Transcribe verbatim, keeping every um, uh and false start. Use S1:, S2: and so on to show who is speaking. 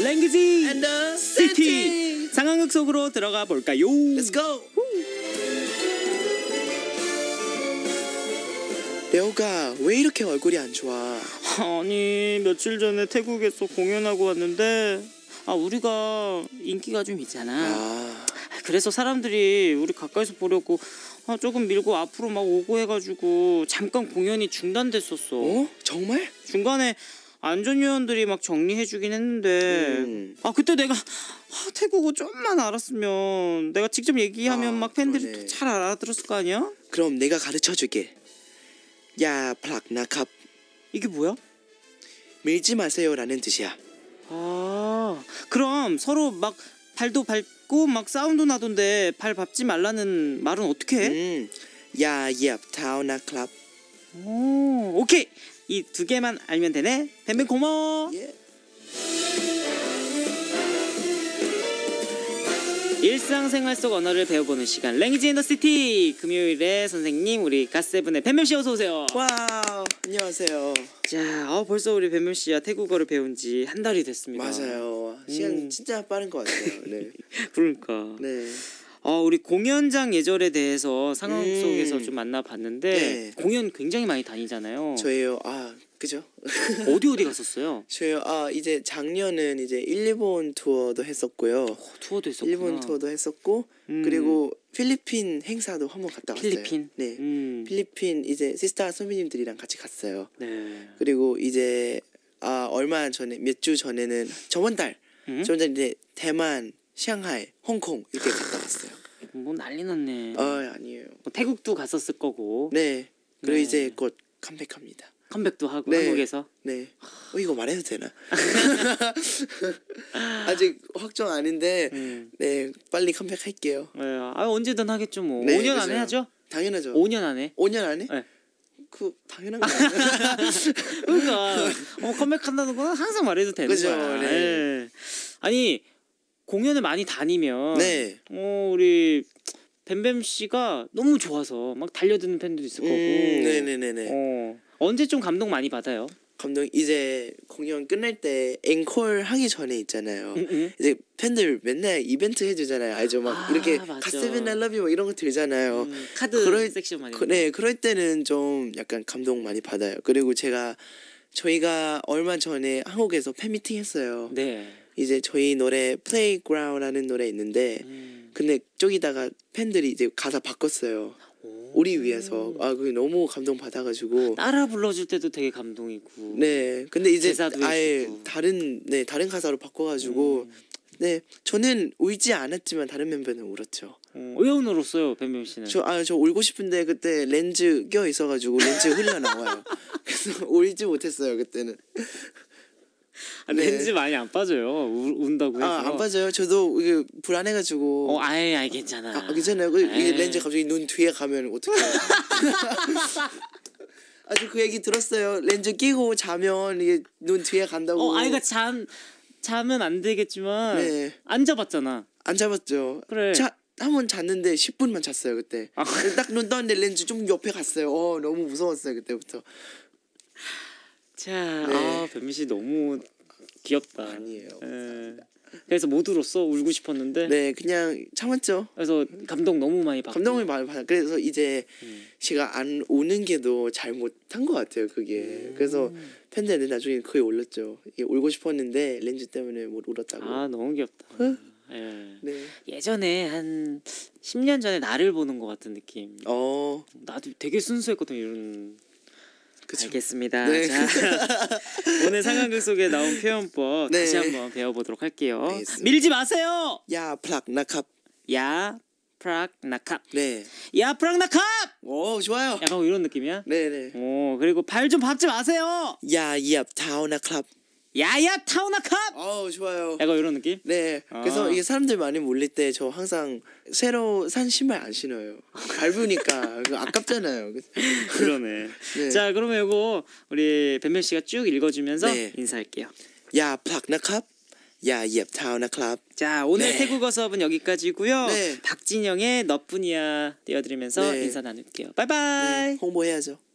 S1: 랭귀지
S2: and the
S1: 시티
S2: city.
S1: 상황극 속으로 들어가 볼까요?
S2: Let's go. 레오가 왜 이렇게 얼굴이 안 좋아?
S1: 아니 며칠 전에 태국에서 공연하고 왔는데 아 우리가 인기가 좀 있잖아.
S2: 아,
S1: 그래서 사람들이 우리 가까이서 보려고 아, 조금 밀고 앞으로 막 오고 해가지고 잠깐 공연이 중단됐었어.
S2: 어? 정말?
S1: 중간에 안전요원들이 막 정리해주긴 했는데
S2: 음.
S1: 아 그때 내가 아, 태국어 좀만 알았으면 내가 직접 얘기하면
S2: 아,
S1: 막 팬들이
S2: 그러네.
S1: 또 잘 알아들었을 거 아니야?
S2: 그럼 내가 가르쳐줄게. 야, 플락나캅.
S1: 이게 뭐야?
S2: 밀지 마세요라는 뜻이야.
S1: 아 그럼 서로 막 발도 밟고 막 사운드 나던데 발 밟지 말라는 말은 어떻게 해?
S2: 음, 야, 예, 타오나클럽.
S1: 오 오케이 이 두 개만 알면 되네. 뱀뱀 고마워.
S2: 예.
S1: 일상생활 속 언어를 배워보는 시간 랭귀지 인 더 시티. 금요일에 선생님 우리 갓세븐의 뱀뱀씨 어서 오세요.
S2: 와우, 안녕하세요.
S1: 자 어, 벌써 우리 뱀뱀씨야 태국어를 배운 지 한 달이 됐습니다.
S2: 맞아요. 시간
S1: 음.
S2: 진짜 빠른 것 같아요. 네.
S1: 그러니까
S2: 네.
S1: 어, 우리 공연장 예절에 대해서 상황
S2: 음.
S1: 속에서 좀 만나봤는데
S2: 네.
S1: 공연 굉장히 많이 다니잖아요.
S2: 저예요. 아, 그죠?
S1: 어디 어디 갔었어요?
S2: 저요. 아, 이제 작년은 이제 일본 투어도 했었고요.
S1: 어, 투어도 했었구나.
S2: 일본 투어도 했었고
S1: 음.
S2: 그리고 필리핀 행사도 한번 갔다 왔어요.
S1: 필리핀?
S2: 네.
S1: 음.
S2: 필리핀 이제 시스타 선배님들이랑 같이 갔어요.
S1: 네.
S2: 그리고 이제 아 얼마 전에 몇 주 전에는 저번 달
S1: 음?
S2: 저번 달 이제 대만, 샹하이, 홍콩 이렇게 갔다 왔어요.
S1: 뭐 난리 났네.
S2: 아 아니에요.
S1: 뭐 태국도 갔었을 거고.
S2: 네. 그리고
S1: 네.
S2: 이제 곧 컴백합니다.
S1: 컴백도 하고
S2: 네.
S1: 한국에서.
S2: 네. 어 이거 말해도 되나? 아직 확정 아닌데
S1: 음.
S2: 네 빨리 컴백할게요.
S1: 네. 아 언제든 하겠죠 뭐.
S2: 네,
S1: 오 년 안에
S2: 그죠.
S1: 하죠?
S2: 당연하죠.
S1: 오 년 안에.
S2: 오 년 안에?
S1: 네.
S2: 그 당연한 거 아니야?
S1: 그러니까 어, 컴백한다는 건 항상 말해도 되는
S2: 그죠,
S1: 거야.
S2: 네.
S1: 예. 아니 공연을 많이 다니면
S2: 네.
S1: 어 우리 뱀뱀 씨가 너무 좋아서 막 달려드는 팬도 있을 거고.
S2: 음, 네네네네.
S1: 어 언제 좀 감동 많이 받아요?
S2: 감독 이제 공연 끝날 때 앵콜 하기 전에 있잖아요.
S1: 응, 응.
S2: 이제 팬들 맨날 이벤트 해주잖아요. 알죠? 막
S1: 아,
S2: 이렇게
S1: 맞아.
S2: 갓세븐 I love you 막 이런 거 들잖아요.
S1: 음, 카드
S2: 그럴-
S1: 섹션 많이.
S2: 그, 네, 그럴 때는 좀 약간 감동 많이 받아요. 그리고 제가 저희가 얼마 전에 한국에서 팬미팅 했어요.
S1: 네.
S2: 이제 저희 노래 Playground라는 노래 있는데
S1: 음.
S2: 근데 저기다가 팬들이 이제 가사 바꿨어요.
S1: 오.
S2: 우리 위해서. 아 그게 너무 감동 받아가지고.
S1: 따라 불러줄 때도 되게 감동이고.
S2: 네, 근데 이제
S1: 제사도
S2: 아예
S1: 해주고.
S2: 다른 네 다른 가사로 바꿔가지고
S1: 음.
S2: 네 저는 울지 않았지만 다른 멤버는 울었죠.
S1: 어, 왜 오늘 울었어요, 뱀뱀 씨는?
S2: 저 아 저 울고 싶은데 그때 렌즈 껴 있어가지고 렌즈 흘러 나와요. 그래서 울지 못했어요 그때는.
S1: 아,
S2: 네.
S1: 렌즈 많이 안 빠져요. 우, 운다고 해서.
S2: 아 안 빠져요. 저도 이게 불안해가지고.
S1: 어, 아예 아예 괜찮아.
S2: 아 괜찮아요. 그 이게
S1: 에이.
S2: 렌즈 갑자기 눈 뒤에 가면 어떡해요? 아주 그 얘기 들었어요. 렌즈 끼고 자면 이게 눈 뒤에 간다고.
S1: 어, 아이가 잠 자면 안 되겠지만
S2: 네.
S1: 안 잡았잖아.
S2: 안 잡았죠.
S1: 그래.
S2: 자, 한 번 잤는데 십 분만 잤어요 그때.
S1: 아.
S2: 딱 눈 떴는데 렌즈 좀 옆에 갔어요. 어 너무 무서웠어요 그때부터.
S1: 자,
S2: 네.
S1: 아, 뱀뱀 씨 너무 귀엽다.
S2: 아니에요.
S1: 예. 그래서 못 울었어. 울고 싶었는데.
S2: 네, 그냥 참았죠.
S1: 그래서 감동 너무 많이 받고.
S2: 감동을 많이 받아. 그래서 이제
S1: 음.
S2: 제가 안 오는 게도 잘못한 것 같아요 그게.
S1: 음.
S2: 그래서 팬들한테 나중에 거의 올렸죠. 이게 울고 싶었는데 렌즈 때문에 못 울었다고.
S1: 아, 너무 귀엽다.
S2: 어?
S1: 예.
S2: 네.
S1: 예전에 한 십 년 전에 나를 보는 것 같은 느낌.
S2: 어,
S1: 나도 되게 순수했거든 이런.
S2: 그쵸.
S1: 알겠습니다.
S2: 네.
S1: 자, 오늘 상황극 속에 나온 표현법
S2: 네.
S1: 다시 한번 배워보도록 할게요.
S2: 알겠습니다.
S1: 밀지 마세요.
S2: 야, 플락나캅.
S1: 야 프락 나캅.
S2: 네.
S1: 야 프락 나캅.
S2: 오, 좋아요.
S1: 약간 이런 느낌이야.
S2: 네, 네.
S1: 오 그리고 발 좀 밟지 마세요.
S2: 야, 예, 타오나클럽.
S1: 야야 타오나캅.
S2: 어, 좋아요.
S1: 약간 이런 느낌.
S2: 네.
S1: 아.
S2: 그래서 이게 사람들 많이 몰릴 때 저 항상 새로 산 신발 안 신어요. 밟으니까 그거 아깝잖아요.
S1: 그러네.
S2: 네.
S1: 자 그러면 이거 우리 뱀뱀 씨가 쭉 읽어주면서
S2: 네.
S1: 인사할게요.
S2: 야, 플락나캅. 야, 예, 타오나클럽.
S1: 자 오늘
S2: 네.
S1: 태국어 수업은 여기까지고요.
S2: 네.
S1: 박진영의 너뿐이야 띄워드리면서
S2: 네.
S1: 인사 나눌게요. 바이바이.
S2: 네, 홍보해야죠.